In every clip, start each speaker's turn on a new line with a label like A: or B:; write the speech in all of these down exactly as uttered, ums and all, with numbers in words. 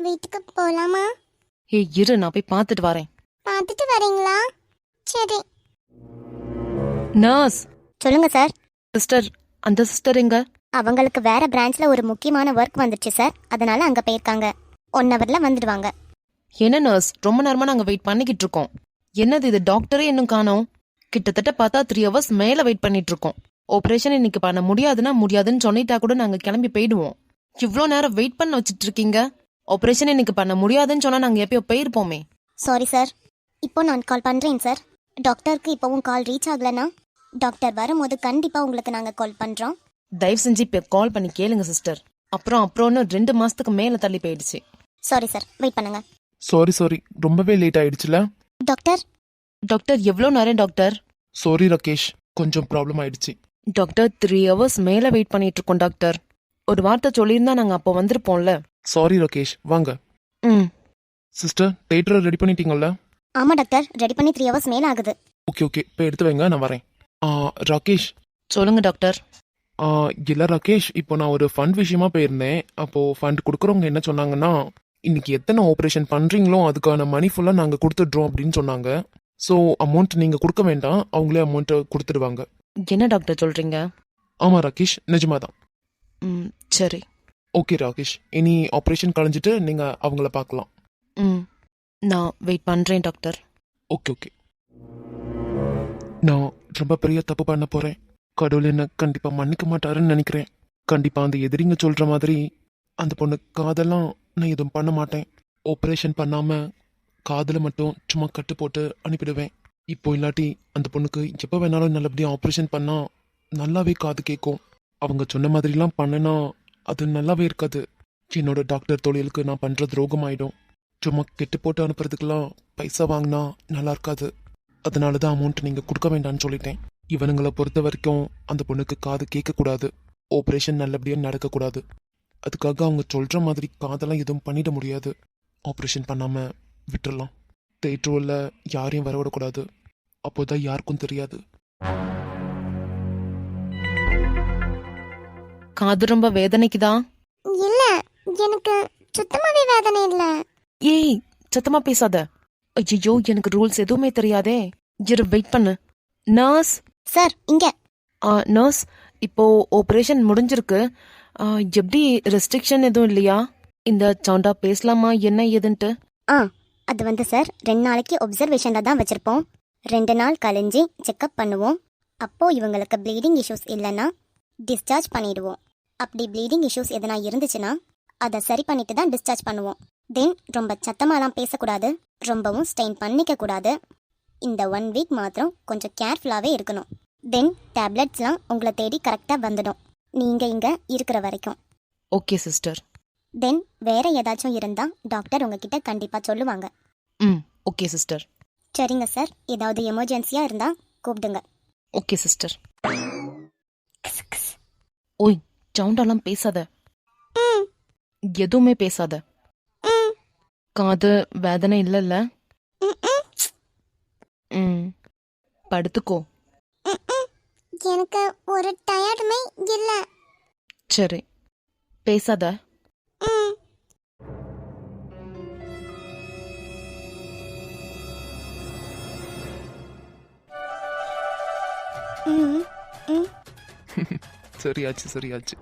A: வீட்டுக்கு போலாமா?
B: ஏய் இரு, நான் போய் பார்த்துட்டு வரேன்.
A: பார்த்துட்டு வரீங்களா? சரி.
B: நர்ஸ்
A: சொல்லுங்க சார்.
B: சிஸ்டர், அந்த சிஸ்டர் எங்க?
A: அவங்களுக்கு வேற பிரான்ச்ல ஒரு முக்கியமான ஒர்க் வந்துருச்சு சார், அதனால அங்க போயிருக்காங்க. ஒன் ஹவர்ல வந்துடுவாங்க.
B: என்ன நர்ஸ், ரொம்ப நேரமா நாங்க வெயிட் பண்ணிக்கிட்டு இருக்கோம். என்னது இது, டாக்டரே இன்னும் காணோம். கிட்டத்தட்ட பார்த்தா த்ரீ ஹவர்ஸ் மேல வெயிட் பண்ணிட்டு இருக்கோம். ஆபரேஷன் இன்னைக்கு பண்ண முடியாதுன்னா முடியாதுன்னு சொல்லிட்டா கூட நாங்க கிளம்பி போயிடுவோம். இவ்வளோ நேரம் வெயிட் பண்ண வச்சிட்டு இருக்கீங்க. ஆபரேஷன் இன்னைக்கு பண்ண முடியாதுன்னு சொன்னா நாங்க எப்பயோ போயிருப்போமே.
A: சாரி சார், இப்போ நான் கால் பண்றேன் சார். டாக்டருக்கு இப்போவும் கால் ரீச் ஆகலனா டாக்டர் வரும்போது கண்டிப்பா உங்களுக்கு நாங்க கால் பண்றோம்.
B: தயவு செஞ்சு இப்போ கால் பண்ணி கேளுங்க சிஸ்டர். அப்புறம் அப்புறம்னு ரெண்டு மாசத்துக்கு மேல தள்ளி போயிடுச்சு.
A: சாரி சார், வெயிட் பண்ணுங்க.
C: சாரி சாரி ரொம்பவே லேட் ஆயிடுச்சுல
A: டாக்டர்.
B: டாக்டர் எவ்வளோ நேரம் டாக்டர்?
C: சாரி ராகேஷ், கொஞ்சம் ப்ராப்ளம் ஆயிடுச்சு.
B: டாக்டர் த்ரீ ஹவர்ஸ் மேல வெயிட் பண்ணிட்டு இருக்கோம் டாக்டர். ஒரு வார்த்தை சொல்லியிருந்தா நாங்க அப்போ வந்திருப்போம்ல.
C: சாரி ராகேஷ், வாங்க.
B: ம்
C: சிஸ்டர், தேட்டரை ரெடி பண்ணிட்டீங்கல்ல?
A: ஆமா டாக்டர், ரெடி பண்ணி த்ரீ ஹவர்ஸ் மேல ஆகுது.
C: ஓகே ஓகே, இப்போ எடுத்து வைங்க, நான் வரேன். ஆ, ராகேஷ்.
B: சொல்லுங்க டாக்டர்.
C: ஆ, இல்ல ராகேஷ், இப்போ நான் ஒரு ஃபண்ட் விஷயமா போயிருந்தேன். அப்போ ஃபண்ட் கொடுக்குறவங்க என்ன சொன்னாங்கன்னா, இன்னைக்கு எத்தனை ஆப்ரேஷன் பண்றீங்களோ அதுக்கான மணி ஃபுல்லாக நாங்கள் கொடுத்துட்றோம் அப்படின்னு சொன்னாங்க. ஸோ அமௌண்ட் நீங்கள் கொடுக்க வேண்டாம், அவங்களே அமௌண்ட்டை கொடுத்துடுவாங்க.
B: என்ன டாக்டர் சொல்றீங்க?
C: ஆமாம் ராகேஷ், நிஜமா தான்.
B: ம் சரி.
C: ஓகே ராகேஷ், இனி ஆப்ரேஷன் கழிஞ்சிட்டு நீங்கள் அவங்கள பார்க்கலாம்.
B: ம் நான் வெயிட் பண்றேன் டாக்டர்.
C: Okay okay. நான் ரொம்ப பெரிய தப்பு பண்ண போறேன். கடவுள் என்ன கண்டிப்பா மன்னிக்க மாட்டாருன்னு நினைக்கிறேன். கண்டிப்பா அந்த எதிரிங்க சொல்ற மாதிரி அந்த பொண்ணு காதெல்லாம் நான் எதுவும் பண்ண மாட்டேன். ஆப்ரேஷன் பண்ணாம காதல மட்டும் சும்மா கட்டு போட்டு அனுப்பிடுவேன். இப்போ இல்லாட்டி அந்த பொண்ணுக்கு எப்போ வேணாலும் நல்லபடியாக ஆப்ரேஷன் பண்ணா நல்லாவே காது கேட்கும். அவங்க சொன்ன மாதிரிலாம் பண்ணனா அது நல்லாவே இருக்காது. என்னோட டாக்டர் தொழிலுக்கு நான் பண்ற துரோகம் ஆயிடும். சும்மா கெட்டு போட்டு அனுப்புறதுக்கெல்லாம் பைசா வாங்கினா நல்லா இருக்காது. அதனால தான் அமௌண்ட் நீங்கள் கொடுக்க வேண்டாம்னு சொல்லிட்டேன். இவனுங்களை பொறுத்த வரைக்கும் அந்த பொண்ணுக்கு காது கேட்கக்கூடாது, ஆப்ரேஷன் நல்லபடியாக நடக்கக்கூடாது. அதுக்காக அவங்க சொல்கிற மாதிரி காதெல்லாம் எதுவும் பண்ணிட முடியாது. ஆப்ரேஷன் பண்ணாமல் விட்டுறலாம். தேட்டரில் யாரையும் வரவிடக்கூடாது, அப்போதான் யாருக்கும் தெரியாது.
B: காது ரொம்ப வேதனைக்குதான்?
A: இல்ல, எனக்கு சுத்தமாவே வேதனை இல்ல.
B: ஏய் சத்தமா பேசாத. ஐயோ, எனக்கு ரூல்ஸ் எதுவுமே தெரியாதே. இரு, வெயிட் பண்ணு. நர்ஸ்
A: சார், இங்க.
B: நர்ஸ், இப்போ ஆப்ரேஷன் முடிஞ்சிருக்கு. ஆ, எப்படி ரெஸ்ட்ரிக்ஷன் எதுவும் இல்லையா? இந்த சவுண்டா பேசலாமா என்ன ஏதுன்ட்டு?
A: ஆ, அது வந்து சார் ரெண்டு நாளைக்கு ஒப்சர்வேஷன்ல தான் வச்சிருப்போம். ரெண்டு நாள் கழிஞ்சு செக்அப் பண்ணுவோம். அப்போ இவங்களுக்கு ப்ளீடிங் இஷ்யூஸ் இல்லைன்னா டிஸ்சார்ஜ் பண்ணிடுவோம். அப்படி ப்ளீடிங் இஷ்யூஸ் எதனா இருந்துச்சுன்னா அதை சரி பண்ணிட்டு தான் டிஸ்சார்ஜ் பண்ணுவோம். தென் ரொம்ப சத்தமாலாம் பேசக்கூடாது, ரொம்பவும் ஸ்டெயின் பண்ணிக்க கூடாது. இந்த ஒன் வீக் மாத்திரம் கொஞ்சம் கேர்ஃபுல்லாகவே இருக்கணும். தென் டேப்லெட்ஸ்லாம் உங்களை தேடி கரெக்டாக வந்துடும், நீங்கள் இங்கே இருக்கிற வரைக்கும்.
B: Okay sister.
A: தென் வேற ஏதாச்சும் இருந்தால் டாக்டர் உங்ககிட்ட கண்டிப்பாக சொல்லுவாங்க.
B: ம் ஓகே சிஸ்டர்.
A: சரிங்க சார், ஏதாவது எமர்ஜென்சியாக இருந்தால் கூப்பிடுங்க.
B: Okay sister. ஓய், சவுண்டாலாம் பேசாத, எதுவுமே பேசாத. காது வேதனை இல்லைல்ல? ம் படுத்துக்கோ.
A: எனக்கு ஒரு டயர்டுமே இல்லை.
B: சரி, பேசாத.
C: சரியாச்சு சரியாச்சு.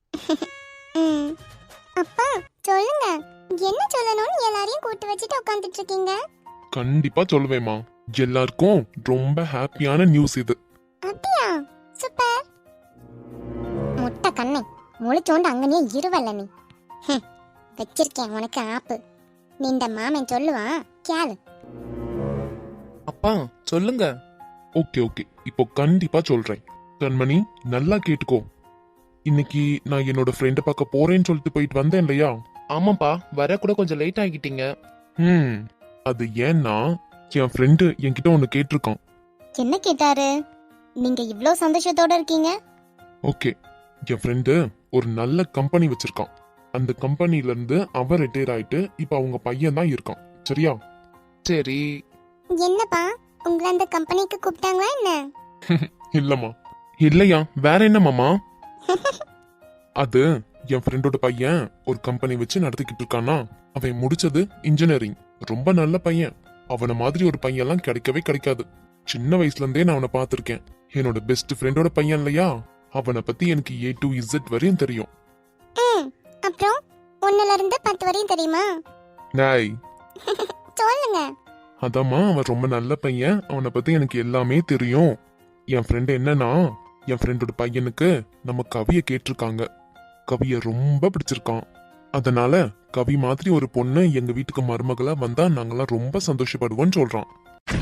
A: அப்பா சொல்லுங்க, என்ன சொல்லணும்னு எல்லாரையும் கூட்டு வச்சுட்டு உட்காந்துட்டு இருக்கீங்க?
D: கண்டிப்பா சொல்லுவேமா, எல்லாருக்கும் ரொம்ப ஹாப்பியான நியூஸ் இது.
A: அப்படியா? சூப்பர். முட்டை கண்ணை முழிச்சோண்டு அங்கனே இருவல்ல நீ. ஹம், வச்சிருக்கேன் உனக்கு ஆப்பு. நின்ற மாமன் சொல்லுவான் கேளு.
C: அப்பா சொல்லுங்க.
D: ஓகே ஓகே, இப்போ கண்டிப்பா சொல்றேன். கண்மணி, நல்லா கேட்டுக்கோ. இன்னைக்கு நான் என்னோட ஃப்ரெண்டை பார்க்க போறேன்னு சொல்லிட்டு போயிட்டு வந்தேன் இல்லையா?
C: ஆமாப்பா, வர கூட கொஞ்சம் லேட் ஆகிட்டீங்க.
D: ம் அது ஏன்னா என் ஃப்ரெண்டு என்கிட்ட ஒன்று கேட்டிருக்கான்.
A: என்ன கேட்டாரு? நீங்க இவ்ளோ சந்தோஷத்தோட இருக்கீங்க?
D: ஓகே, என் ஃப்ரெண்டு ஒரு நல்ல கம்பெனி வச்சிருக்கான். அந்த கம்பெனில இருந்து அவன் ரிட்டையர் ஆயிட்டு இப்ப அவங்க பையன் தான் இருக்கான். சரியா?
C: சரி.
A: என்னப்பா, உங்களை அந்த கம்பெனிக்கு கூப்பிட்டாங்களா என்ன?
D: இல்லம்மா. இல்லையா, வேற என்ன மாமா? அது என் ஃப்ரெண்டோட பையன் ஒரு கம்பெனி வச்சு நடத்திக்கிட்டு இருக்கானா. அவன் முடிச்சது இன்ஜினியரிங். ரொம்ப நல்ல பையன். அவன மாதிரி ஒரு பையன்லாம் கிடைக்கவே கிடைக்காது. சின்ன வயசுல இருந்தே நான் அவனை பார்த்திருக்கேன். என்னோட பெஸ்ட் ஃப்ரெண்டோட பையன் இல்லையா, அவனை பத்தி எனக்கு ஏ டு இசட் வரையும் தெரியும்.
A: ம் அப்புறம் ஒன்னுல இருந்து பத்து வரையும் தெரியுமா?
D: நாய்
A: சொல்லுங்க.
D: அதாம்மா, அவன் ரொம்ப நல்ல பையன். அவனை பத்தி எனக்கு எல்லாமே தெரியும். என் ஃப்ரெண்ட் என்னன்னா, என் ஃப்ரெண்டோட பையனுக்கு நம்ம கவியை கேட்டிருக்காங்க. கவிய ரொம்ப பிடிச்சிருக்கான். அதனால கவி மாதிரி ஒரு பொண்ணு எங்க வீட்டுக்கு மருமகளா வந்தா நாங்கெல்லாம் ரொம்ப சந்தோஷப்படுவோம்னு சொல்றான்.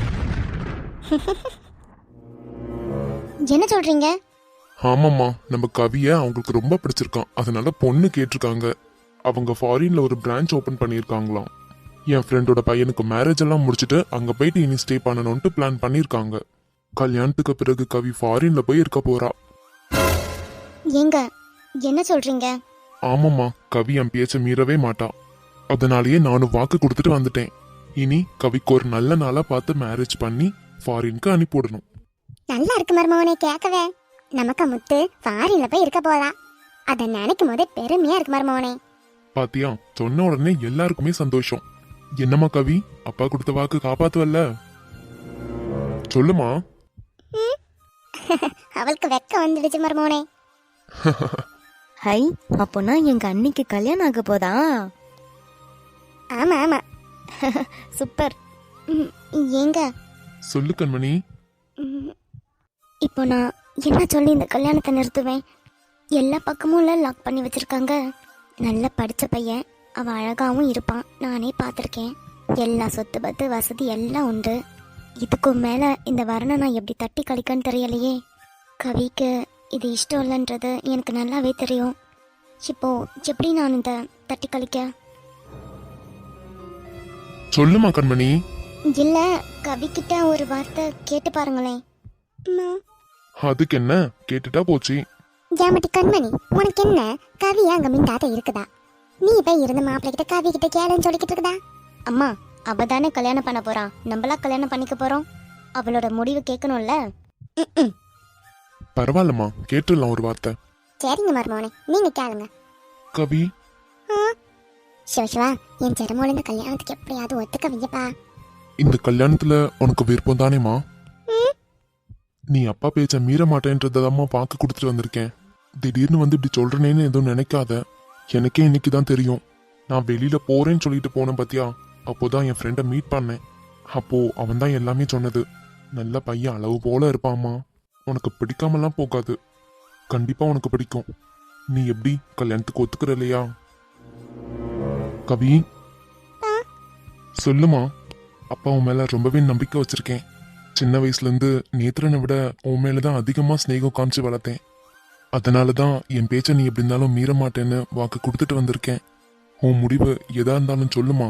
A: என்ன சொல்றீங்க?
D: ஆமாம்மா, நம்ம கவிய அவங்களுக்கு ரொம்ப பிடிச்சிருக்கான். அதனால பொண்ணு கேட்டிருக்காங்க. அவங்க ஃபாரின்ல ஒரு பிரான்ச் ஓபன் பண்ணியிருக்காங்களாம். என் ஃப்ரெண்டோட பையனுக்கு மேரேஜ் எல்லாம் முடிச்சுட்டு அங்க போயிட்டு இனி ஸ்டே பண்ணணும்ட்டு பிளான் பண்ணியிருக்காங்க. கல்யாணத்துக்கு பிறகு கவி ஃபாரின்ல போய் இருக்க போறா.
A: ஏங்க என்ன சொல்றீங்க?
D: ஆமாம்மா, கவி என் பேச்ச மீறவே மாட்டா. அதனாலேயே நானும் வாக்கு கொடுத்துட்டு வந்துட்டேன். இனி கவிக்கு ஒரு நல்ல நாளா பார்த்து மேரேஜ் பண்ணி ஃபாரினுக்கு அனுப்பிவிடணும்.
A: நல்லா இருக்கு மருமவனே கேட்கவே. நமக்கு முத்து ஃபாரின்ல போய் இருக்க போதா, அதை நினைக்கும் போதே பெருமையா இருக்கு மருமவனே.
D: பாத்தியா, சொன்ன உடனே எல்லாருக்குமே சந்தோஷம். என்னம்மா கவி, அப்பா கொடுத்த வாக்கு காப்பாத்துவல்ல? சொல்லுமா.
A: அவளுக்கு வெக்க வந்துடுச்சு மருமவனே.
E: ஹை, அப்போனா எங்க அன்னிக்கு கல்யாணம் ஆக போதா?
A: ஆமா ஆமா.
E: சூப்பர்.
A: ம், ஏங்க
D: சொல்லு கண்மணி.
A: ம், இப்போ நான் என்ன சொல்லி இந்த கல்யாணத்தை நிறுத்துவேன்? எல்லா பக்கமும் லாக் பண்ணி வச்சிருக்காங்க. நல்ல படிச்ச பையன், அவன் அழகாவும் இருப்பான், நானே பார்த்துருக்கேன். எல்லா சொத்து பத்து வசதி எல்லாம் உண்டு. இதுக்கும் மேல இந்த வரணை நான் எப்படி தட்டி கழிக்கன்னு தெரியலையே. கவிக்கு இது இஷ்டம் இல்லைன்றது எனக்கு நல்லாவே தெரியும். இப்போ எப்படி நான் இந்த தட்டி கழிக்க?
D: சொல்லுமா கண்மணி.
A: இல்ல, கவிக்கிட்ட ஒரு வார்த்தை கேட்டு பாருங்களேன். அம்மா.
D: அதுக்கு என்ன, கேட்டுட்டா போச்சு.
A: ஜாமட்டி கண்மணி, உனக்கு என்ன கவி அங்க மிண்டாத இருக்குதா? நீ போய் இருந்த மாப்பிள்ளை கிட்ட கவி கிட்ட கேளுன்னு சொல்லிக்கிட்டு இருக்குதா? அம்மா, அவ தானே கல்யாணம் பண்ண போறா, நம்மளா கல்யாணம் பண்ணிக்க போறோம். அவளோட முடிவு கேட்கணும்ல.
D: பரவாயில்லம்மா, கேட்டுடலாம் ஒரு வார்த்தை.
A: சரிங்க மருமோனே, நீங்க கேளுங்க.
D: கவி,
A: சிவசிவா, என் சிரமோல இந்த கல்யாணத்துக்கு எப்படியாவது ஒத்துக்க வையப்பா.
D: இந்த கல்யாணத்துல உனக்கு விருப்பம் தானேமா? நீ அப்பா பேச்ச மீற மாட்டேன்றதாம்மா வாக்கு கொடுத்துட்டு வந்திருக்கேன். திடீர்னு வந்து இப்படி சொல்றேன்னு எதுவும் நினைக்காத. எனக்கே இன்னைக்கு தான் தெரியும். நான் வெளியில போறேன்னு சொல்லிட்டு போனேன் பாத்தியா, அப்போதான் என் ஃப்ரெண்டை மீட் பண்ணேன். அப்போ அவன் தான் எல்லாமே சொன்னது. நல்ல பையன், அளவு போல இருப்பாம்மா. உனக்கு பிடிக்காமலாம் போகாது, கண்டிப்பா உனக்கு பிடிக்கும். நீ எப்படி கல்யாணத்துக்கு ஒத்துக்கிற இல்லையா? கவி, சொல்லுமா. அப்பா உன் மேல ரொம்பவே நம்பிக்கை வச்சிருக்கேன். சின்ன வயசுல இருந்து நேத்திரனை விட உன் மேலதான் அதிகமா ஸ்நேகம் காமிச்சு வளர்த்தேன். அதனாலதான் என் பேச்ச நீ எப்படி இருந்தாலும் மீற மாட்டேன்னு வாக்கு கொடுத்துட்டு வந்திருக்கேன். உன் முடிவு எதா இருந்தாலும் சொல்லுமா.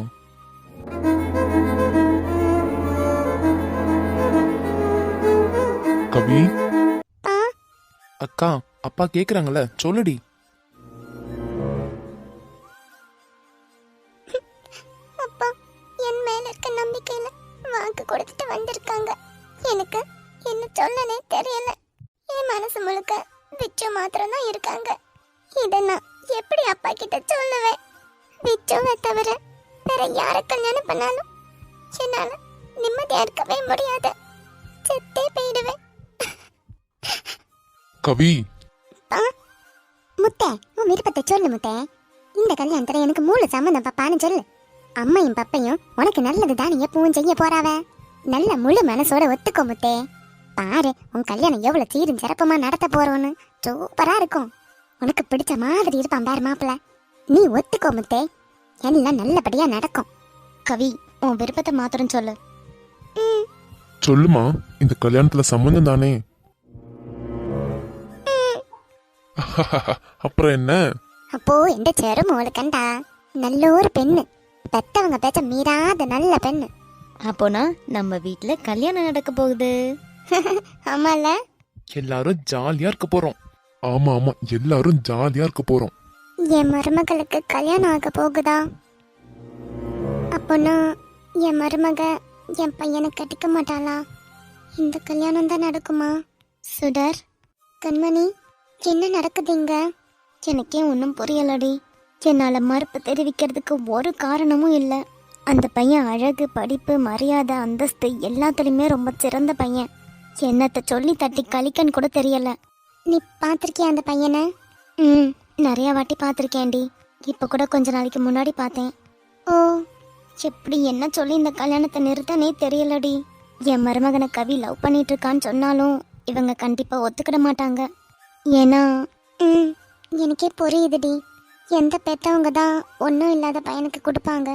D: கவி.
C: அக்கா, அப்பா கேக்குறாங்கல்ல, சொல்லுடி.
A: அப்பா, என் மேல இருக்க நம்பிக்கையில வாக்கு கொடுத்துட்டு வந்திருக்காங்க. எனக்கு என்ன சொல்லனே தெரியல. என் மனசு முழுக்க விச்சு மாத்திரம் தான் இருக்காங்க. இத நான் எப்படி அப்பா கிட்ட சொல்லுவேன்? விச்சுவை தவிர வேற யார கல்யாணம் பண்ணாலும் என்னால நிம்மதியா இருக்கவே முடியாது. செத்தே போயிடுவேன்.
D: கவி.
A: முத்தே, உன் விருப்பத்தை சொல்லு முத்தே. இந்த கல்யாணத்துல எனக்கு மூணு சம்மந்தம் பாப்பான்னு சொல்லு. அம்மையும் பப்பையும் உனக்கு நல்லது தானே எப்பவும் செய்ய போறாவ. நல்ல முழு மனசோட ஒத்துக்கோ முத்தே. பாரு, உன் கல்யாணம் எவ்வளவு சீரும் சிறப்புமா நடத்த போறோன்னு. சூப்பரா இருக்கும். உனக்கு பிடிச்ச மாதிரி இருப்பான் பாரு மாப்பிள்ள. நீ ஒத்துக்கோ முத்தே, எல்லாம் நல்லபடியா நடக்கும். கவி, உன் விருப்பத்தை மாத்திரம் சொல்லு.
D: சொல்லுமா, இந்த கல்யாணத்துல சம்மந்தம் தானே. அப்புறம் என்ன?
A: அப்போ எந்த செருமோளு கண்டா நல்ல ஒரு பெண்ணு, பெத்தவங்க பேச்ச மீறாத நல்ல பெண்ணு.
E: அப்போனா நம்ம வீட்ல கல்யாணம் நடக்க போகுது.
A: ஆமால,
C: எல்லாரும் ஜாலியா இருக்க போறோம்.
D: ஆமா ஆமா, எல்லாரும் ஜாலியா இருக்க போறோம்.
A: என் மருமகளுக்கு கல்யாணம் ஆக போகுதா? அப்போனா என் மருமக என் பையனை கட்டிக்க மாட்டாளா? இந்த கல்யாணம் தான் நடக்குமா? சுடர், கண்மணி, என்ன நடக்குதுங்க? எனக்கே ஒன்றும் புரியலடி. என்னால் மறுப்பு தெரிவிக்கிறதுக்கு ஒரு காரணமும் இல்லை. அந்த பையன் அழகு, படிப்பு, மரியாதை, அந்தஸ்து எல்லாத்துலேயுமே ரொம்ப சிறந்த பையன். என்னத்தை சொல்லி தட்டி கழிக்கன்னு கூட தெரியல. நீ பார்த்துருக்கியா அந்த பையனை? ம், நிறையா வாட்டி பார்த்துருக்கேன்டி. இப்போ கூட கொஞ்ச நாளைக்கு முன்னாடி பார்த்தேன். ஓ, எப்படி என்ன சொல்லி இந்த கல்யாணத்தை நிறுத்தனே தெரியலடி. என் மருமகனை கவி லவ் பண்ணிட்டு இருக்கான்னு சொன்னாலும் இவங்க கண்டிப்பாக ஒத்துக்கிட மாட்டாங்க. ஏன்னா ம் எனக்கே புரியுதுடி. எந்த பெற்றவங்க தான் ஒன்றும் இல்லாத பையனுக்கு கொடுப்பாங்க.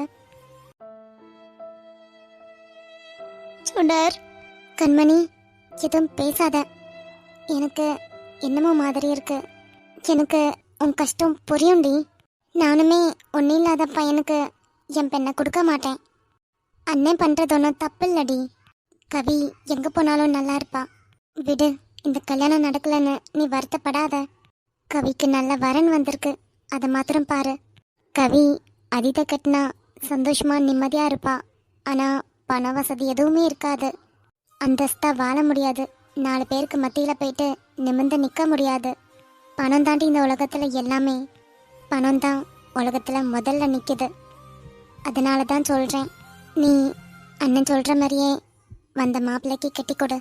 A: சுடர், கண்மணி, எதுவும் பேசாத. எனக்கு என்னமோ மாதிரி இருக்கு. எனக்கு உன் கஷ்டம் புரியும்டி. நானுமே ஒன்றும் இல்லாத பையனுக்கு என் பெண்ணை கொடுக்க மாட்டேன். அண்ணன் பண்ணுறது ஒன்றும் தப்பு இல்லடி. கவி எங்கே போனாலும் நல்லா இருப்பா. விடு, இந்த கல்யாணம் நடக்கலைன்னு நீ வருத்தப்படாத. கவிக்கு நல்ல வரன் வந்திருக்கு, அதை மாத்திரம் பாரு. கவி அதித கட்டினா சந்தோஷமா நிம்மதியாக இருப்பா. ஆனால் பண வசதி எதுவுமே இருக்காது. அந்தஸ்தா வாழ முடியாது. நாலு பேருக்கு மத்தியில் போயிட்டு நிமிர்ந்து நிற்க முடியாது. பணம் தாண்டி இந்த உலகத்தில் எல்லாமே. பணம் தான் உலகத்தில் முதல்ல நிற்கிது. அதனால தான் சொல்கிறேன், நீ அண்ணன் சொல்கிற மாதிரியே வந்த மாப்பிள்ளைக்கு கட்டி கொடு.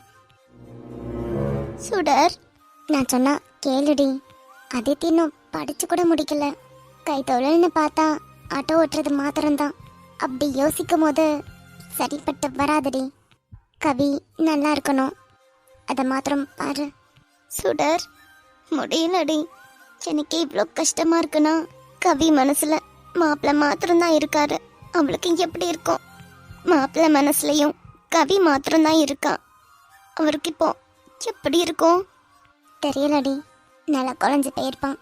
A: சுடர், நான் சொன்னா கேளுடி. அதித்தி இன்னும் படிச்சு கூட முடிக்கல. கை தொழில்னு பார்த்தா ஆட்டோ ஓட்டுறது மாத்திரம்தான். அப்படி யோசிக்கும் போது சரிப்பட்டு வராதுடி. கவி நல்லா இருக்கணும், அதை மாத்திரம் பாரு. சுடர், முடியலடி. எனக்கு இவ்வளோ கஷ்டமா இருக்குன்னா கவி மனசுல மாப்பிள்ளை மாத்திரம்தான் இருக்காரு. அவளுக்கு எப்படி இருக்கும்? மாப்பிள்ளை மனசுலையும் கவி மாத்திரம்தான் இருக்கா. அவருக்கு இப்போ எப்படி இருக்கும் தெரியலடி. நல்லா குழஞ்சு போயிருப்பான்.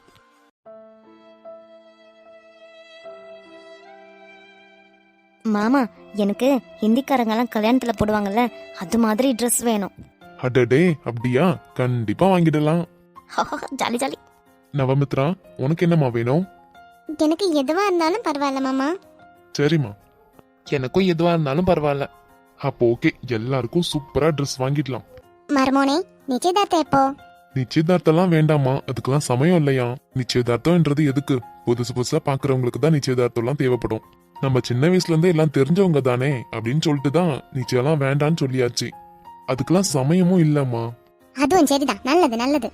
E: மாமா, எனக்கு ஹிந்திக்காரங்கெல்லாம் கல்யாணத்துல போடுவாங்கல்ல, அது மாதிரி ட்ரெஸ் வேணும்.
D: அடடே, அப்படியா? கண்டிப்பா வாங்கிடலாம்.
E: Jolly jolly.
D: நவமித்ரா, உனக்கு என்னம்மா வேணும்?
A: எனக்கு எதுவா இருந்தாலும் பரவாயில்ல மாமா.
D: சரிம்மா,
C: எனக்கும் எதுவா இருந்தாலும் பரவாயில்ல.
D: அப்போ ஓகே, எல்லாருக்கும் சூப்பரா ட்ரெஸ் வாங்கிடலாம்.
A: மருமோனே, நிச்சயதார்த்தம் எப்போ?
D: நிச்சயதார்த்தம்லாம் வேண்டாமா, அதுக்கெல்லாம் சமயம் இல்லையா? நிச்சயதார்த்தம்ன்றது எதுக்கு? புதுசு புதுசா பாக்குறவங்களுக்கு தான் நிச்சயதார்த்தம்லாம் தேவைப்படும். நம்ம சின்ன வயசுல இருந்தே எல்லாம் தெரிஞ்சவங்க தானே அப்படின்னு சொல்லிட்டு தான் நிச்சயம்லாம் வேண்டான்னு சொல்லியாச்சு. அதுக்கெல்லாம் சமயமும் இல்லம்மா.
A: அதுவும் சரிதான், நல்லது நல்லது.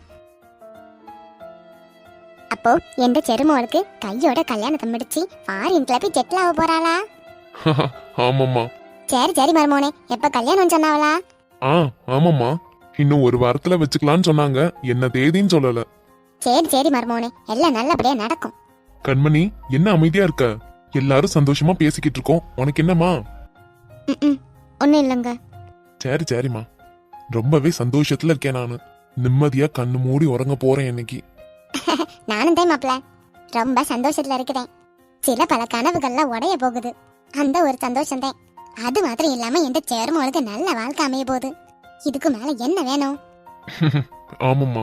A: அப்போ எந்த செருமோளுக்கு கையோட கல்யாணத்தை முடிச்சு ஃபாரின் கிளப்பி செட்டில் ஆக போறாளா?
D: ஆமாம்மா.
A: சரி சரி மருமோனே, எப்ப கல்யாணம் சொன்னாவளா?
D: ஆ ஆமாம்மா, இன்னும் ஒரு வாரத்துல வச்சுக்கலான்னு சொன்னாங்க. என்ன தேதின்னு சொல்லல.
A: சரி சரி மருமோனே, எல்லாம் நல்லபடியா நடக்கும்.
D: கண்மணி, என்ன அமைதியா இருக்க? எல்லாரும் சந்தோஷமா பேசிக்கிட்டு இருக்கோம், உனக்கு என்னம்மா?
A: ம் ஒன்றும் இல்லைங்க.
D: சரி சரிம்மா, ரொம்பவே சந்தோஷத்துல இருக்கேன் நானு. நிம்மதியா கண்ணு மூடி உறங்க போறேன் இன்னைக்கு.
A: நானும் தான் மாப்பிள்ள ரொம்ப சந்தோஷத்துல இருக்கிறேன். சில பல கனவுகள்லாம் உடைய போகுது, அந்த ஒரு சந்தோஷம் தான். அது மாத்திரம் இல்லாம எந்த சேர்மோளுக்கு நல்ல வாழ்க்கை அமைய போகுது. இதுக்கு மேல என்ன வேணும்?
D: ஆமாம்மா.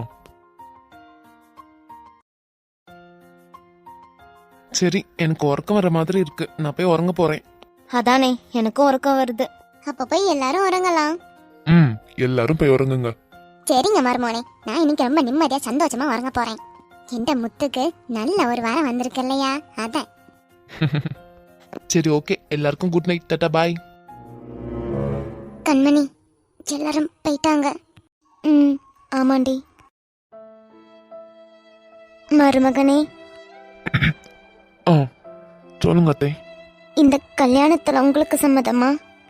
C: சரி, எனக்கு உறக்கம் வர மாதிரி இருக்கு. நான் போய் உறங்க போறேன்.
E: அதானே, எனக்கும் உறக்கம் வருது.
A: அப்ப போய் எல்லாரும் உறங்கலாம்.
D: ம், எல்லாரும் போய் உறங்குங்க.
A: சரிங்க மருமோனே, நான் இன்னைக்கு ரொம்ப நிம்மதியா சந்தோஷமா உறங்க போறேன். இந்த முத்துக்கு நல்ல ஒரு வாரம் வந்திருக்கு இல்லையா, அதான்.
C: சரி, ஓகே. எல்லாருக்கும் குட் நைட், டாடா, பாய்.
A: கண்மணி, எல்லாரும் போயிட்டாங்க. ம் ஆமாண்டி. மருமகனே,
C: ஆ சொல்லுங்க அத்தை.
A: இந்த கல்யாணத்துல உங்களுக்கு சம்மதமா?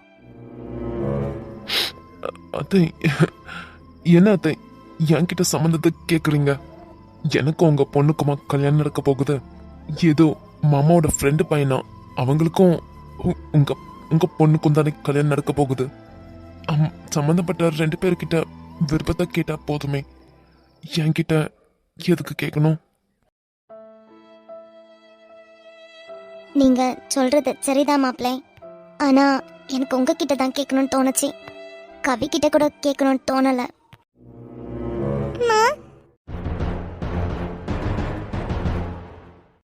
C: அத்தை, என்ன அத்தை என்கிட்ட சம்மந்தத்தை கேக்குறீங்க? எனக்கும் உங்க பொண்ணுக்குமா கல்யாணம் நடக்க போகுது. ஏதோ மாமாவோட ஃப்ரெண்டு பையனா, அவங்களுக்கும் உ- உங்க உங்க பொண்ணுக்கும் தானே கல்யாணம் நடக்க போகுது. அம், சம்மந்தப்பட்ட ரெண்டு பேர்கிட்ட விருப்பத்தை கேட்டா போதுமே. என்கிட்ட எதுக்கு கேட்கணும்?
A: நீங்க சொல்றது சரிதான் மாப்பிள்ளை. ஆனா எனக்கு உங்ககிட்ட தான் கேட்கணும்னு தோணுச்சு. கவி கிட்ட கூட கேட்கணும்னு தோணல.